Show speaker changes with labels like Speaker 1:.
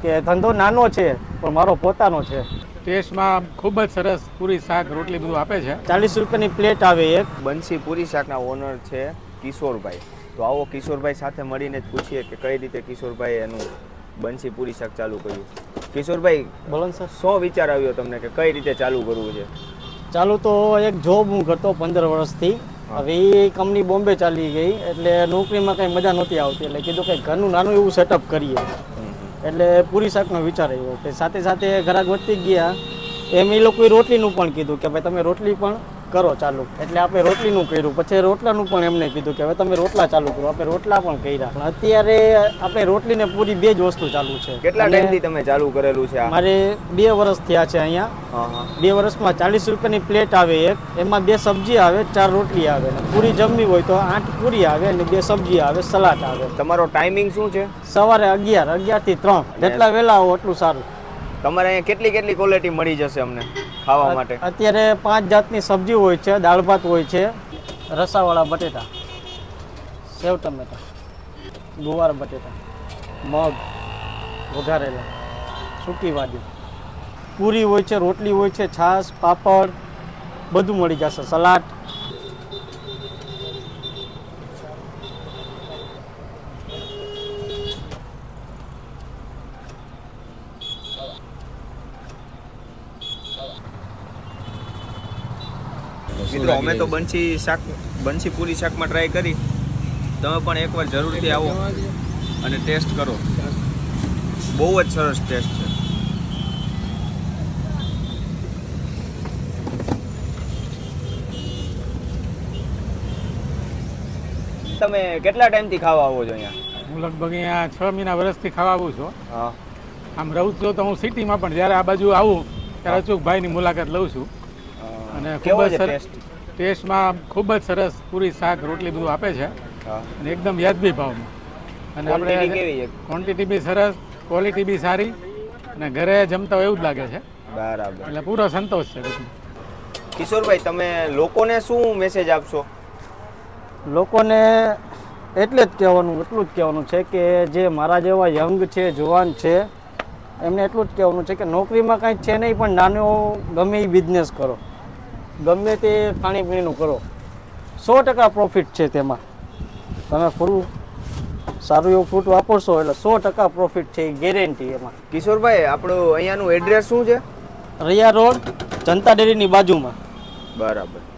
Speaker 1: કે ધંધો નાનો છે પણ મારો પોતાનો છે.
Speaker 2: ટેસ્ટમાં ખૂબ જ સરસ પૂરી શાક રોટલી બધું આપે છે.
Speaker 1: 40 રૂપિયાની પ્લેટ આવે એક.
Speaker 3: બંસી પૂરી શાકના ઓનર છે કિશોરભાઈ. તો આવો કિશોરભાઈ સાથે મળીને જ પૂછીએ કે કઈ રીતે કિશોરભાઈ એનું બંસી પૂરી શાક ચાલુ કર્યું. કિશોરભાઈ,
Speaker 1: બોલો સર.
Speaker 3: શું વિચાર આવ્યો તમને કે કઈ રીતે ચાલુ કરવું છે?
Speaker 1: ચાલુ તો એક જોબ હું કરતો 15 વર્ષથી. હવે એ કંપની બોમ્બે ચાલી ગઈ એટલે નોકરીમાં કંઈ મજા નહોતી આવતી એટલે કીધું કે ઘરનું નાનું એવું સેટઅપ કરીએ. એટલે પૂરી શાકનો વિચાર આવ્યો કે સાથે સાથે ગ્રાહક વધતી ગયા એમ એ લોકોએ રોટલીનું પણ કીધું કે ભાઈ તમે રોટલી પણ કરો ચાલુ. એટલે આપણે રોટલીનું કર્યું, પછી રોટલાનું પણ એમને કીધું કે હવે તમે રોટલા ચાલુ કરો. આપણે રોટલા પણ કર્યા. પણ અત્યારે આપણે રોટલી ને પૂરી બે જ વસ્તુ ચાલુ છે.
Speaker 3: કેટલા ટાઈમથી તમે ચાલુ કરેલું છે?
Speaker 1: મારે 2 વર્ષ થયા છે અહીંયા. 2 વર્ષમાં 40 રૂપિયાની પ્લેટ આવે એક, એમાં 2 સબ્જી આવે, 4 રોટલી આવે. પૂરી જમવી હોય તો 8 પૂરી આવે અને 2 સબ્જી આવે, સલાડ આવે.
Speaker 3: તમારો ટાઈમિંગ શું છે?
Speaker 1: સવારે 11 થી 3. જેટલા વહેલા આવો એટલું સારું.
Speaker 3: તમારે અહીંયા કેટલી ક્વોલિટી મળી જશે અમને ખાવા માટે?
Speaker 1: અત્યારે 5 જાતની સબ્જી હોય છે, દાળ ભાત હોય છે, રસાવાળા બટેટા, સેવ ટમેટા, ગુવાર બટેટા, મગ વઘારેલા, સૂકી ભાજી, પૂરી હોય છે, રોટલી હોય છે, છાશ, પાપડ બધું મળી જશે, સલાડ.
Speaker 3: મિત્રો, અમે તો બંસી પૂરી શાકમાં ટ્રાય કરી. તમે પણ એકવાર જરૂરથી આવો અને ટેસ્ટ કરો. બહુ જ સરસ ટેસ્ટ છે. તમે કેટલા ટાઈમથી ખાવા આવો છો અહીંયા?
Speaker 2: હું લગભગ અહીંયા 6 મહિના વર્ષથી ખાવા આવું છું.
Speaker 3: હા.
Speaker 2: આમ રહું છું તો હું સિટીમાં, પણ જ્યારે આ બાજુ આવું ત્યારે અચૂકભાઈની મુલાકાત લઉં છું. અને ખૂબ જ સરસ ટેસ્ટમાં ખૂબ જ સરસ પૂરી શાક રોટલી બધું આપે છે અને એકદમ વ્યાજબી ભાવમાં. અને આપણે ક્વોન્ટિટી બી સરસ, ક્વોલિટી બી સારી અને ઘરે જમતા હોય એવું જ લાગે છે.
Speaker 3: બરાબર.
Speaker 2: એટલે પૂરો સંતોષ છે.
Speaker 3: કિશોરભાઈ, તમે લોકોને શું મેસેજ આપશો?
Speaker 1: લોકોને એટલું જ કહેવાનું છે કે જે મારા જેવા યંગ છે, જુવાન છે, એમને એટલું જ કહેવાનું છે કે નોકરીમાં કાંઈ છે નહીં, પણ નાનો ગમે એ બિઝનેસ કરો, ગમે તે ખાણીપીણીનું કરો. 100% પ્રોફિટ છે તેમાં. તમે સારું એવું ફ્રૂટ વાપરશો એટલે 100% પ્રોફિટ છે, ગેરંટી એમાં.
Speaker 3: કિશોરભાઈ, આપણું અહીંયાનું એડ્રેસ શું છે?
Speaker 1: રૈયા રોડ, જનતા ડેરીની બાજુમાં.
Speaker 3: બરાબર.